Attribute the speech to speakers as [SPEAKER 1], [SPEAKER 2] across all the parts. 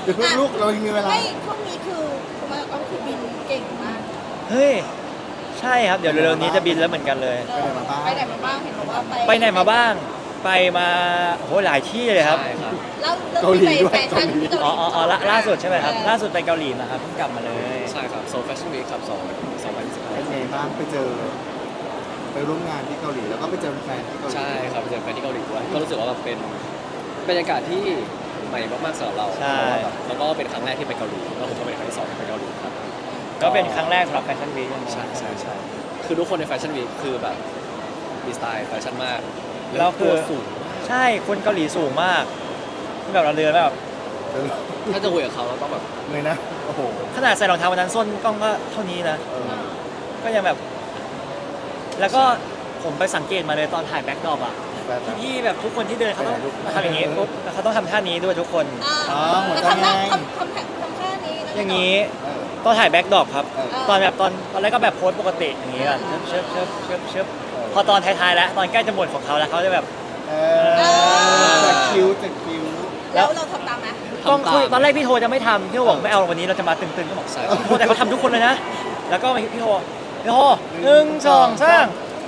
[SPEAKER 1] เดี๋ยวลูกเรายังมีเวลา
[SPEAKER 2] ไม่ช่วงนี้คือมาก็คือบินเก่งมาก
[SPEAKER 3] เฮ้ยใช่ครับเดี๋ยวเร็วๆนี้จะบินแล้วเหมือนกันเลย
[SPEAKER 2] ไปไหนมาบ้างเห็นบอกว่า
[SPEAKER 3] ไปไหนมาบ้างไปมาโอ้โหหลายที่เลยครับ
[SPEAKER 4] ใช่ครับ
[SPEAKER 2] แล้วที่ไปแฟชั่นที่เกาหลี
[SPEAKER 3] อ๋อล่าสุดใช่ไหมครับล่าสุดไปเกาหลีมาครับเพิ่งกลับมาเลย
[SPEAKER 4] ใช่ครับโซลแฟชั่นวีคครับ2025
[SPEAKER 1] เป็นไงบ้างไปเจอไปร่วมงานที่เกาหลีแล้วก็ไปเจอแฟนที่เกาหลี
[SPEAKER 4] ใช่ครับไปเจอแฟนที่เกาหลีด้วยก็รู้สึกว่าแบบเป็นบรรยากาศที่ใหม่มากๆสำหรับเรา
[SPEAKER 3] ใช่
[SPEAKER 4] แล้วก็เป็นครั้งแรกที่ไปเกาหลีแล้วผมก็เป็นครั้งที่สองที่ไปเกาหลีครับ
[SPEAKER 3] ก็เป็นครั้งแรกสำหรับแฟชั่นวีค
[SPEAKER 4] ใช่คือทุกคนในแฟชั่นวีคคือแบบมีสไตล์แฟชั่นมาก
[SPEAKER 3] แล้วคือ
[SPEAKER 4] ตัวสูง
[SPEAKER 3] ใช่คนเกาหลีสูงมากที่แบบเราเดินแบบ
[SPEAKER 4] ถ้าจะคุยกับเขาเราต้องแบบ
[SPEAKER 1] เลยนะโอ้โห
[SPEAKER 3] ขนาดใส่รองเท้าวันนั้นส้นกล้องก็เท่านี้นะ
[SPEAKER 1] เออ
[SPEAKER 3] ก็ยังแบบ แล้วก็ผมไปสังเกตมาเลยตอนถ่ายแบ็คดรอปอ่ะ
[SPEAKER 1] แฟนแบบ
[SPEAKER 3] พี่แบบทุกคนที่เดินเขาต้องทำอย่างนี้ปุ๊บแล้วเขาต้องทำท่านี้ด้วยทุกคน
[SPEAKER 1] อ๋อหัวใจ
[SPEAKER 2] ทำ
[SPEAKER 1] ไง
[SPEAKER 2] ท่านี้แล้ว
[SPEAKER 3] อย่างนี้
[SPEAKER 1] เออ
[SPEAKER 3] ตอนถ่ายแบ็คดรอปครับ
[SPEAKER 1] เออ
[SPEAKER 3] ตอนแบบตอนแรกก็แบบโพสปกติอย่างนี้ก่อนเชิบพอตอนท้ายๆแล้วตอนใกล้จะหมดของเขาแล้วเขาจะแบบ
[SPEAKER 1] เออจากคิ้วจากคิ้ว
[SPEAKER 2] แล้วเราทำตามไหม
[SPEAKER 3] กล้องคุยตอนแรกพี่โทจะไม่ทำพี่โทบอกไม่เอาวันนี้เราจะมาตึงๆก็บอก
[SPEAKER 4] ใช่
[SPEAKER 3] พี่โทแต่เขาทำทุกคนเลยนะ แล้วก็พี่โทหนึ่งสองสาม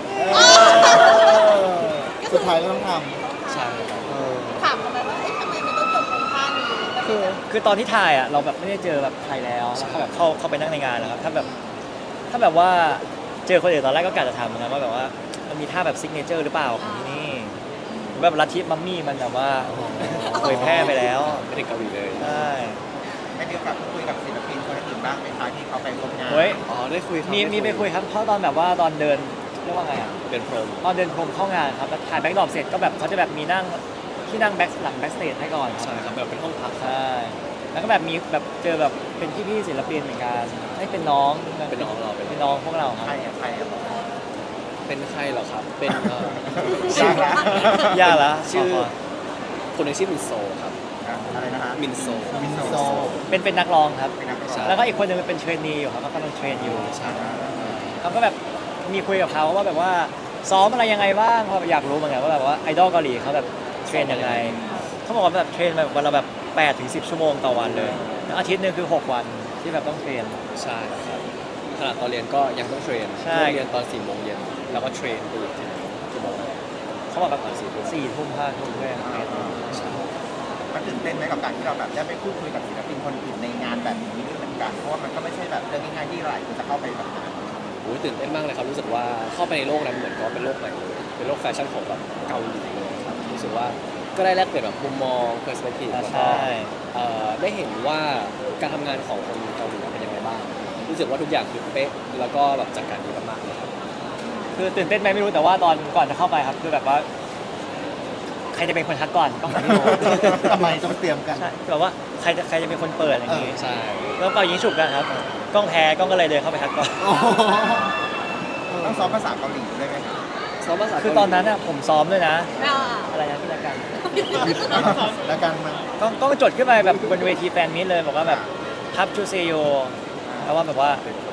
[SPEAKER 1] สุดท้ายก็ต้องท
[SPEAKER 4] ใช่ครับ
[SPEAKER 1] ำเออ
[SPEAKER 2] ถามทำไมว่าเอ๊ะทำไมมันต้องจบตรงท่านี้
[SPEAKER 3] คือตอนที่ถ่ายอ่ะเราแบบไม่ได้เจอแบบใครแล้วแล้วก็แบบเข้าไปนั่งในงานแล้วครับถ้าแบบว่าเจอคนอื่นตอนแรกก็กะจะทำเหมือนกันว่าแบบว่ามันมีท่าแบบซิกเนเจอร์หรือเปล่าของที่นี่แบบลัทธิมัมมี่มันแบบว่าเผยแพร่ไปแล้ว
[SPEAKER 4] ไม่ได้เกาหลีเลย
[SPEAKER 3] ใช่
[SPEAKER 5] ได้มีโอกาสพูดคุยกับศิลปินคนอื่นบ้างไหมคะที่เขาไปร่วมงาน
[SPEAKER 3] เฮ้ย
[SPEAKER 4] อ๋อได้คุยครับ
[SPEAKER 3] มีไปคุยครับเพราะตอนแบบว่าตอนเดินเรียกว่าไงอ่ะ
[SPEAKER 4] เป็นพรม
[SPEAKER 3] ตอนเดินพรมเข้างานครับแล้วถ่ายแบ็คดรอปเสร็จก็แบบเขาจะแบบมีนั่งที่นั่งแบ็คหลังแบ็คสเตจให้ก่อนครับ
[SPEAKER 4] ใช่ครับแบบเป็นห้องพักครับ
[SPEAKER 3] ใช่แล้วก็แบบมีแบบเจอแบบเป็นพี่ๆศิลปินเหมือนกันให้เป็นน้อง
[SPEAKER 4] เป็นน้องเรา
[SPEAKER 3] เป็นน้องพวกเราค
[SPEAKER 5] ใคร
[SPEAKER 3] รับ
[SPEAKER 5] อะใครอะ
[SPEAKER 4] เป็นใครเหรอครับ เป็น
[SPEAKER 5] ยากละ
[SPEAKER 3] ยากละ
[SPEAKER 4] ชื่อ
[SPEAKER 3] ขอ
[SPEAKER 4] คนหนึงชื่อมินโซครับ
[SPEAKER 5] อะไรนะฮะ
[SPEAKER 4] มินโซ
[SPEAKER 1] มินโซ
[SPEAKER 3] เป็นนักร้องครับ
[SPEAKER 5] เป็นนักร้อง
[SPEAKER 4] ใช่
[SPEAKER 3] แล้วก็อีกคนหนึงเป็นเทรนนีอยู่ครับเขากำลังเทรนอยู่
[SPEAKER 4] ใช่
[SPEAKER 3] เขาก็แบบมีคุยกับเขาว่าแบบว่าซ้อมอะไรยังไงบ้างเพราะอยากรู้เหมือนกันว่าแบบว่าไอดอลเกาหลีเขาแบบเทรนยังไงเขาบอกว่าแบบเทรนแบบวันละแบบ8 ถึง 10 ชั่วโมงต่อวันเลยแล้วอาทิตย์หนึงคือ 6 วันที่แบบต้องเทรน
[SPEAKER 4] ใช่ครับขณะตอนเรียนก็ยังต้องเทรน
[SPEAKER 3] ใช่
[SPEAKER 4] เรียนตอน4 โมงเย็นแล้วก็เทรนไปอีกกี่โมง
[SPEAKER 3] เขาบอกแบบ
[SPEAKER 4] ตอน4 ทุ่ม
[SPEAKER 3] 4 ทุ่ม5 ทุ่มด้วยครับ
[SPEAKER 4] ใช่
[SPEAKER 5] มันตื่นเต้นไหมกับการที่เราแบบได้ไปพูดคุยกับศิลปินคนอื่นในงานแบบนี้ด้วยเหมือนกัน เพราะว่ามันก็ไม่ใช่แบบเรื่องง่ายๆที่หลายคนจะเข้าไปแบบนั้น
[SPEAKER 4] โอ้ยตื่นเต้นมากเลยครับรู้สึกว่าเข้าไปในโลกนั้นเหมือนก็เป็นโลกใหม่เลยเป็นโลกแฟชั่นของแบบเกาหลีเลยครับรู้สึกว่าก็ได้แลกเปลี่ยนแบบมุมมองเพอร์สเปกทีฟแล้วก็
[SPEAKER 3] ใช่
[SPEAKER 4] ได้เห็นว่าการทำงานของคนเกาหลีเป็นยังไงบ้าง รู้สึกว่าทุกอย่างคือเป๊ะ แล้วก็แบบจัดการดีมากๆเลยครับ
[SPEAKER 3] คือตื่นเต้นไหมไม่รู้แต่ว่าตอนก่อนจะเข้าไปครับคือแบบว่าใครจะเป็นคนทักก่อนต้องพี่โท
[SPEAKER 1] ทำไมต้องเตรียมกัน
[SPEAKER 3] ใช่แบบว่าใครจะเป็นคนเปิดอะไรอย่างงี้
[SPEAKER 4] ใช่
[SPEAKER 3] แล้วเป่ายิงฉุบกันครับกล้องแพ้กล้องก็เลยเดินเข้าไปทักก่อน
[SPEAKER 1] โอ้โห
[SPEAKER 5] ต้องซ้อมภาษาเกาหลีด้วยไหมคะ
[SPEAKER 4] ซ้อมภาษา
[SPEAKER 3] คือตอนนั้นน่ะผมซ้อมด้วยนะ
[SPEAKER 2] อ่า
[SPEAKER 3] อะไรนะพี่ละกัน
[SPEAKER 1] แล้วกันมา
[SPEAKER 3] ต้องจดขึ้นไปแบบบนเวทีแฟนมิตเลยบอกว่าแบบทับชูเซโยแปลว่าแบบว่า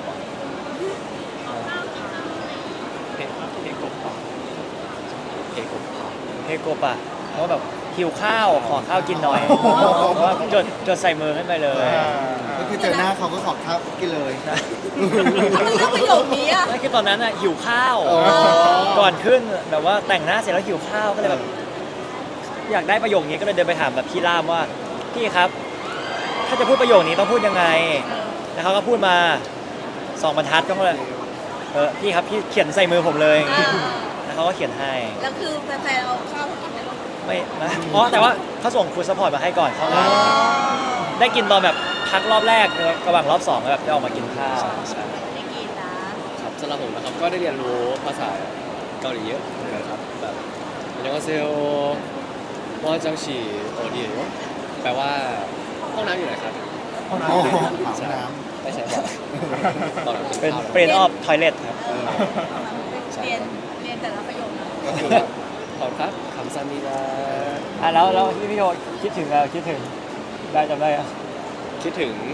[SPEAKER 4] เพลงกบเพลงกบ
[SPEAKER 3] เฮโกปะเพราะว่าแบบหิวข้าวขอข้าวกินหน่อยเพราะว่าจดใส่มือขึ้นไปเลย
[SPEAKER 1] ก็คือเจอหน้าเขาก็ขอข้าวกินเลย
[SPEAKER 2] ทำไมเลือกประโยคนี้อ่ะ
[SPEAKER 3] นั่นคือตอนนั้นอ่ะหิวข้าว
[SPEAKER 1] อ๋อ
[SPEAKER 3] ก่อนขึ้นแบบว่าแต่งหน้าเสร็จแล้วหิวข้าวก็เลยแบบอยากได้ประโยคนี้ก็เลยเดินไปถามแบบพี่ล่ามว่าพี่ครับ ถ้าจะพูดประโยคนี้ต้องพูดยังไงแล้วเขาก็พูดมา2 บรรทัดก็เลยพี่ครับพี่เขียนใส่มือผมเลย แล้วเขาก็เขียนให้
[SPEAKER 2] แล้วคือแฟนๆเอาข้าวมากินไหมลูก
[SPEAKER 3] ไม่นะอ๋อแต่ว่าเขาส่งฟูดซัพพอร์ตมาให้ก่อนเข้างานได้กินตอนแบบพักรอบแรกระหว่างรอบ2แล้วแบบได้ออกมากินข้าว
[SPEAKER 4] ใช่
[SPEAKER 2] ไม่กินนะครับ
[SPEAKER 4] สำหรับผมนะครับก็ได้เรียนรู้ภาษาเกาหลีเยอะเหมือนกันครับแบบยังก็เซลว่าจังฉีโอเดียแปลว่าห้องน้ำอยู่ไหนครับ
[SPEAKER 1] ห้องน้ำอยู่ในห้องน้
[SPEAKER 4] ไม่ใช่บ่อยตอนนั้น
[SPEAKER 3] เป็น
[SPEAKER 4] ข้าว
[SPEAKER 3] เฟรนออฟทอยเลทครับ
[SPEAKER 2] เรียนแต่ละประโยคนะ
[SPEAKER 4] ก็คือแบบขอบคุณครับคำซามิดา
[SPEAKER 3] แล้วพี่โยคิดถึงคิดถึงได้จำได้อะ
[SPEAKER 4] คิดถึง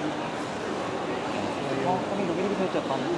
[SPEAKER 3] ก็ไม่รู้พี่โยจดตอนนี้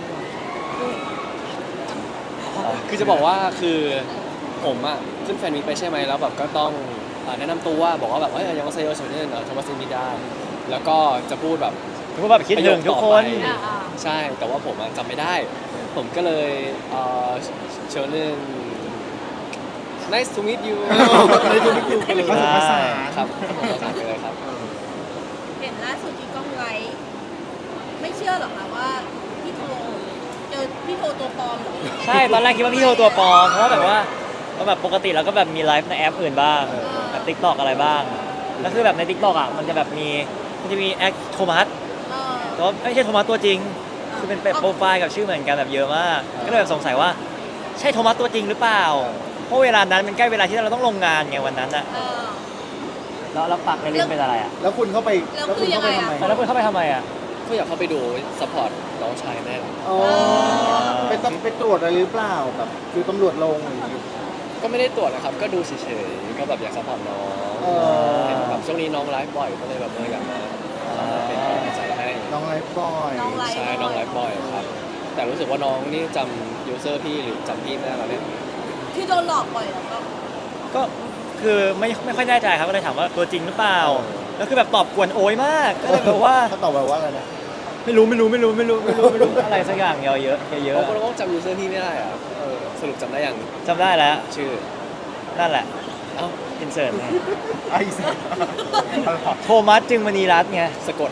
[SPEAKER 4] คือจะบอกว่าคือผมอะขึ้นแฟนมิตไปใช่ไหมแล้วแบบก็ต้องแนะนำตัวบอกว่าแบบยังก็เซลล์โซเชียลโทมัสมิดาแล้วก็จะพูดแบบ
[SPEAKER 3] พูดแบบคิดถึงทุกคน
[SPEAKER 4] ประโยคต่อไป ใช่แต่ว่าผมอะจำไม่ได้ ผมก็เลยเชิญเรื่อง nice to meet you
[SPEAKER 1] ในตัวนี้คือไปเลย
[SPEAKER 5] ผสมผสาน
[SPEAKER 4] ครับผสมผสานไปเลยครับ
[SPEAKER 2] เห็นล่าสุดที่กล้องไลฟ์ไม่เชื่อหรอกค่ะว่าพี่โทเจอพี่โทตัวปลอมเหรอ
[SPEAKER 3] ใช่ตอนแรกคิดว่าพี่โทตัวปลอมเพราะว่าแบบว่าแบบปกติเราก็แบบมีไลฟ์ในแอปอื่นบ้างแบบทิกตอกอะไรบ้างแล้วคือแบบในทิกตอกอ่ะมันจะแบบมันจะมีแอคโทมัส
[SPEAKER 2] เออ
[SPEAKER 3] แต่ว่าไม่ใช่โทมัสตัวจริง คือเป็นโปรไฟล์กับชื่อเหมือนกันแบบเยอะมาก ก็เลยแบบสงสัยว่าใช่โทมัสตัวจริงหรือเปล่า เพราะเวลานั้นมันใกล้เวลาที่เราต้องลงงานไงวันนั้นอะ
[SPEAKER 2] เออ
[SPEAKER 3] แล้วปักในเล่นเป็นอะไรอะ
[SPEAKER 1] แล้วคุณเข้าไป
[SPEAKER 2] แล้วคือยังไงอะ
[SPEAKER 1] ทำ
[SPEAKER 3] แล้วคุณเข้าไปทำไมอะ
[SPEAKER 4] ก็อยากเข้าไปดูซัพพอร์ตน้องชายแน่
[SPEAKER 1] อ๋อไปตรวจอะไรหรือเปล่าแบบคือตำรวจลงอะไรอย่างเงี้ย
[SPEAKER 4] ก็ไม่ได้ตรวจนะครับ ก็ดูเฉยๆก็แบบอยากซัพพอร์ตน้อง
[SPEAKER 1] เออ
[SPEAKER 4] เห็นแบบช่วงนี้น้องไลฟ์บ่อยก็เลยแบบอยากมาเป็นกำลังใจให้
[SPEAKER 1] น้องไลฟ์บอย
[SPEAKER 2] น้องไลฟ์
[SPEAKER 4] ใช่น้องไลฟ์บ่อยครับ แต่รู้สึกว่าน้องนี่จำยูเซอร์พี่หรือจำพี่ไม่ได้แล้วเนี่ย
[SPEAKER 2] ที่โดนหลอกบ่อยแล้วก็
[SPEAKER 3] ก็คือไม่ค่อยแน่ใจครับก็เลยถามว่าตัวจริงหรือเปล่า แล้วคือแบบตอบกวนโอยมาก ก็เลยแบบว่า
[SPEAKER 1] เขาตอบแบบว่าอะไรนะ
[SPEAKER 3] ไม่รู้อะไรสักอย่างเยอะเยอะ
[SPEAKER 4] เขาก็จำยูเซอร์พี่ไม่ได้อะสรุปจำได้ยัง
[SPEAKER 3] จำได้แล้ว
[SPEAKER 4] ชื่อ
[SPEAKER 3] นั่นแหละ
[SPEAKER 4] เอ้า
[SPEAKER 3] อินเสิร์ต
[SPEAKER 5] ไอ้สัส
[SPEAKER 3] โทมัสจึงมณีรัตน์ไง
[SPEAKER 4] สะกด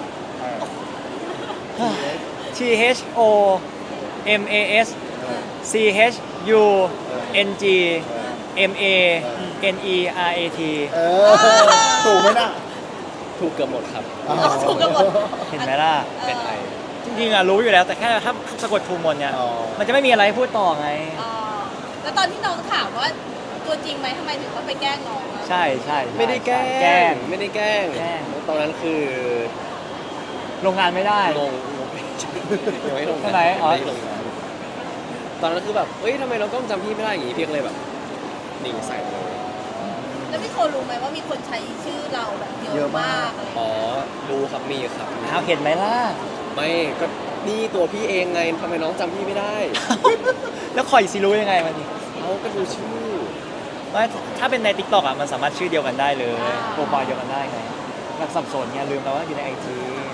[SPEAKER 3] T H O M A S C H U N G M A N E R A T
[SPEAKER 1] เออถูกไหมน่ะ
[SPEAKER 4] ถูกเกือบหมดครับ
[SPEAKER 1] อ๋อ
[SPEAKER 2] ถูกกันหมด
[SPEAKER 3] เห็นไหมล่ะ
[SPEAKER 4] เป็นไอ
[SPEAKER 3] จริงๆอ่ะรู้อยู่แล้วแต่แค่ถ้าสะกดถูกหมดเนี่ย
[SPEAKER 1] อ๋อ
[SPEAKER 3] มันจะไม่มีอะไรให้พูดต่อไง
[SPEAKER 2] อ๋อแล้วตอนที่น้องถามว่าตัวจริงไหมทำไมถึงต้องไปแกล้งน้องอะ
[SPEAKER 3] ใช่ใช่
[SPEAKER 4] ไม่ได้แกล้
[SPEAKER 3] แกล้
[SPEAKER 4] ง
[SPEAKER 3] ง
[SPEAKER 4] ไม่ได้แกล้ง
[SPEAKER 3] แกล้ง
[SPEAKER 4] ตอนนั้นคือ
[SPEAKER 3] ลงงานไม่ได้
[SPEAKER 4] งงยังไม่ลง
[SPEAKER 3] ทำไมอ๋อ
[SPEAKER 4] ไม่ลงงานตอนนั้นคือแบบเอ้ยทำไมเราต้องจำพี่ไม่ได้อย่างงี้พี่ก็เลยแบบนิ่งใส่เลย
[SPEAKER 2] แล้วพี่โทรู้ไหมว่ามีคนใช้ชื่อเราแบบเยอะมากอะไรอย่าง
[SPEAKER 4] อ๋
[SPEAKER 2] เงี้ย
[SPEAKER 4] อรู้ครับมีครับ
[SPEAKER 3] เอาเห็นไหมล่ะ
[SPEAKER 4] ไม่ก็นี่ตัวพี่เองไงทำไมน้องจำพี่ไม่ได้
[SPEAKER 3] แล้วคอยสิรู้ยังไงมันนี่
[SPEAKER 4] เขาก็ดูชื่อ
[SPEAKER 3] ไม่ถ้าเป็นใน TikTok อ่ะมันสามารถชื่อเดียวกันได้เลยโปรไฟล์เดียวกันได้ไงแบบสับสนไงลืมแล้วว่าอยู่ใน IG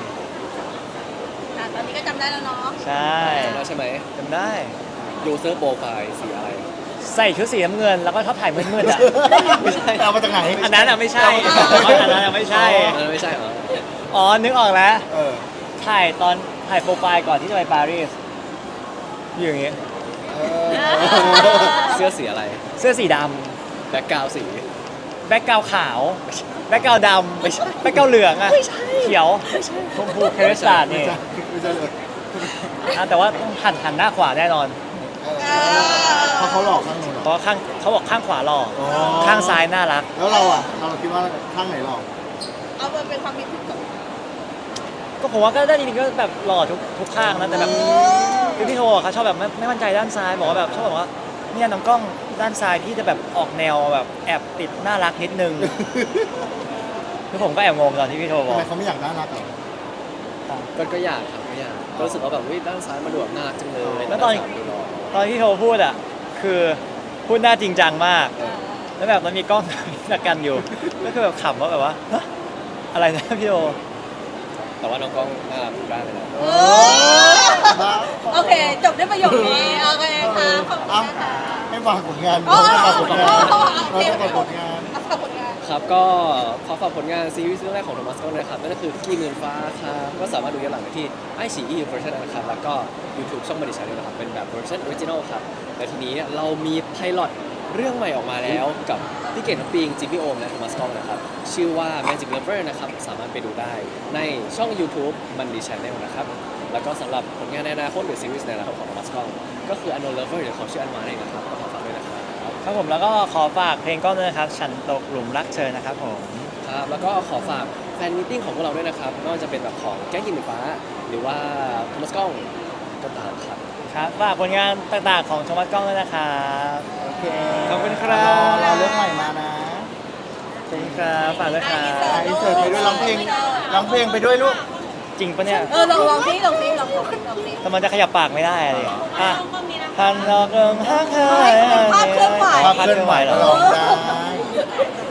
[SPEAKER 2] ตอนนี้ก็จำได้แล้วเนาะ
[SPEAKER 3] ใช่
[SPEAKER 4] จำได้ใช่ไหม
[SPEAKER 3] จำได้
[SPEAKER 4] ยูเซอร์โปรไฟล์สีอะไร
[SPEAKER 3] ใส่ชุดสีน้ำเงินแล้วก็ชอบถ่ายมืดๆอ่ะ
[SPEAKER 1] ไม่ใช่เอามาจากไหน
[SPEAKER 3] อันนั้นอ่ะไม่ใช่อันนั้นอ่ะไม่ใช่
[SPEAKER 4] อันนั้นไม่ใช่เหรอ
[SPEAKER 3] อ๋อนึกออกแล้ว
[SPEAKER 1] เออ
[SPEAKER 3] ถ่ายโปรไฟล์ก่อนที่จะไปปารีสอยู่อย่างงี้
[SPEAKER 1] เออ
[SPEAKER 4] เสื้อสีอะไร
[SPEAKER 3] เสื้อสีด
[SPEAKER 4] แบ็กกราวสี
[SPEAKER 3] ำแบ็กกราวขาวแบ็กกราวดำแบ็กกราวเหลืองอ่ะเขียวชมพูเครสตาร์ด
[SPEAKER 1] ไม่
[SPEAKER 3] นี่
[SPEAKER 1] ใช่ไม่ใช่เลย
[SPEAKER 3] แต่ว่าต้องหันหน้าขวาแน่นอน
[SPEAKER 1] เพราะเขาหลอกข้างหนึ่ง
[SPEAKER 3] เพราะเขาบอกข้างขวาหล่อ
[SPEAKER 1] อ๋อ
[SPEAKER 3] ข้างซ้ายน่ารัก
[SPEAKER 1] แล้วเราอ่ะเราคิดว่าข้างไหนหลอก
[SPEAKER 2] เอามันเป็นความคิดผิดกับ
[SPEAKER 3] ก็ผมว่าก็ได้จริงๆก็แบบหล่อทุกข้างนะแต่แบบคือพี่โทเขาชอบแบบไม่มั่นใจด้านซ้ายบอกว่าแบบชอบบอกว่าเนี่ยน้องกล้องด้านซ้ายพี่จะแบบออกแนวแบบแอบติดน่ารักนิดนึง คือผมก็แอบงงตอนที่พี่โทบ
[SPEAKER 1] ทำ
[SPEAKER 3] อก
[SPEAKER 1] ไมเขาไม่อยากน่ารักหรอ
[SPEAKER 4] ก็อยากครับก็อยากก็รู้สึกว่าแบบวิด้านซ้ายมาดูแบบน่ารักจังเลย
[SPEAKER 3] แล้วตอน
[SPEAKER 4] ด้าซ้ายดูหล่อ
[SPEAKER 3] ตอนที่โทพูดอ่ะคือพูดหน้าจริงจังมาก แล้วแบบมันมีกล้อง จักกันอยู่ ก็คือแบบขำว่าแบบว่าฮะอะไรนะพี่โท
[SPEAKER 4] แต่ว่าน้องกล้องน่ารักทุกด้านเลยนะ
[SPEAKER 2] โอเค จบด้วยประโยคนี้ โอเคค่ะขอบคุณค่ะ
[SPEAKER 1] ไม่ฝากผลงาน
[SPEAKER 2] อ๋อ
[SPEAKER 1] ไม่ฝากผลงาน
[SPEAKER 2] อ๋อ
[SPEAKER 1] เราต้องฝากผลงาน
[SPEAKER 2] เอาฝากผลงาน
[SPEAKER 4] ครับก็ขอฝากผลงานซีรีส์เรื่องแรกของโทมัสกล้องนะครับนั่นก็คือที่เงินฟ้าครับก็สามารถดูย้อนหลังได้ที่ไอซีอีเวอร์ชันนะครับแล้วก็ YouTube ช่องบริษัทด้วยนะครับเป็นแบบเวอร์ชันออริจินอลครับแต่ทีนี้เรามีไพลอตเรื่องใหม่ออกมาแล้วกับพี่เก่งน้ำปิงจิมมี่โอมและโทมัสกล้องนะครับชื่อว่า Magic Lover นะครับสามารถไปดูได้ในช่อง YouTube มันดีชแนลนะครับแล้วก็สำหรับผลงานในอนาคตหรือซีรีส์ในอนาคตของโทมัสกล้องก็คือ Unknown Lover หรือเขาชื่ออันมาเองนะครับก็ขอฝากด้วยนะครับ
[SPEAKER 3] ครับผมแล้วก็ขอฝากเพลงกล้องด้วยนะครับ ฉันตกหลุมรักเธอนะครับผม
[SPEAKER 4] ครับแล้วก็ขอฝากแฟนมิทติ้งของพวกเราด้วยนะครับไม่ว่าจะเป็นแบบของแก๊งกินหมูฟ้า หรือว่าโทมัสกล้องก็ตามครับ
[SPEAKER 3] ครับฝากผลงานต่างๆของโทมัสกล้องด้วยนะครับ
[SPEAKER 1] โอเค
[SPEAKER 3] ขอบคุณครับ
[SPEAKER 1] เราเรื่องใหม่มานะ
[SPEAKER 3] ขอบคุณครับฝากด้วยครับ
[SPEAKER 1] อินเสิร์ตไปด้วยร้องเพลงไปด้วยลูก
[SPEAKER 3] จริงปะเนี่ย
[SPEAKER 2] ลองซิลองซิลองซิ
[SPEAKER 3] แต่มันจะขยับปากไม่ได้อะไรอ่ะพันดอกเอิงฮักเธอ
[SPEAKER 2] ภาพเคลื่อนไหว
[SPEAKER 1] ภาพเคลื่อนไหว
[SPEAKER 3] เหร
[SPEAKER 1] เรา
[SPEAKER 3] อ
[SPEAKER 1] ลองได้